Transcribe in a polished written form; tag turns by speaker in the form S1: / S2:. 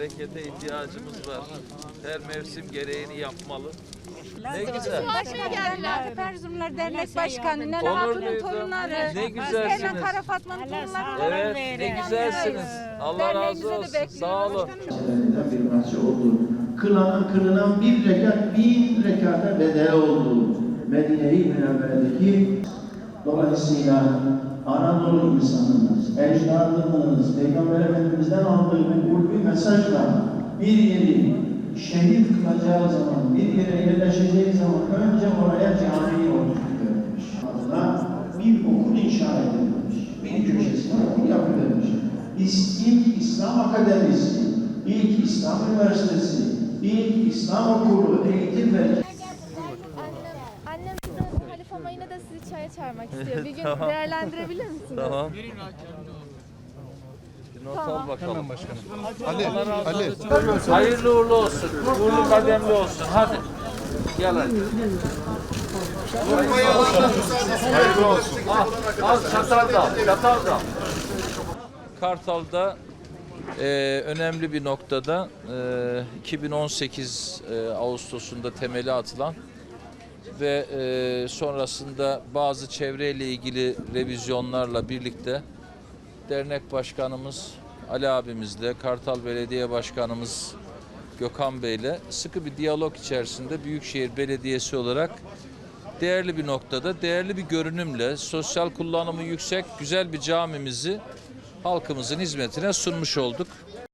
S1: harekete ihtiyacımız var. Her mevsim gereğini yapmalı. Ne güzel.
S2: Erzurumlar Dernek Başkanı, Nene
S1: Onur
S2: Hatun'un
S1: duydum.
S2: torunları,
S1: Ne güzelsiniz.
S2: Hemen Kara Fatma'nın torunları.
S1: Evet, ne güzelsiniz. Allah razı olsun. Sağ olun.
S3: Bir parça oldu. Kılınan bir rekat, 1000 rekata bedel oldu. Medine-i Münevvere'deki dolayısıyla Anadolu insanımız, ecdadımız, Peygamber Efendimiz'den aldığı bir ulvi mesajla bir yeri şehit kılacağı zaman, bir yere yerleşeceği zaman önce oraya cami oluşturulmuş. Adına bir okul inşa edilmiş. Bir köşesine okul yapılmış. İlk İslam Akademisi, ilk İslam Üniversitesi, ilk İslam Okulu, eğitim ve...
S4: Annem Halife ama yine de sizi çaya çağırmak istiyor. Bir gün
S1: Tamam.
S4: değerlendirebilir misiniz?
S1: Tamam. Bir not al bakalım. Hemen başkanım. Ali. Hayırlı uğurlu olsun. Uğurlu kademli olsun. Hadi. Gel hadi. Hayırlı olsun. Al çatal da al. Çatal da al. Kartal'da önemli bir noktada 2018 Ağustos'unda temeli atılan ve sonrasında bazı çevreyle ilgili revizyonlarla birlikte dernek başkanımız Ali abimizle, Kartal Belediye Başkanımız Gökhan Bey'le sıkı bir diyalog içerisinde Büyükşehir Belediyesi olarak değerli bir noktada, değerli bir görünümle, sosyal kullanımı yüksek, güzel bir camimizi halkımızın hizmetine sunmuş olduk.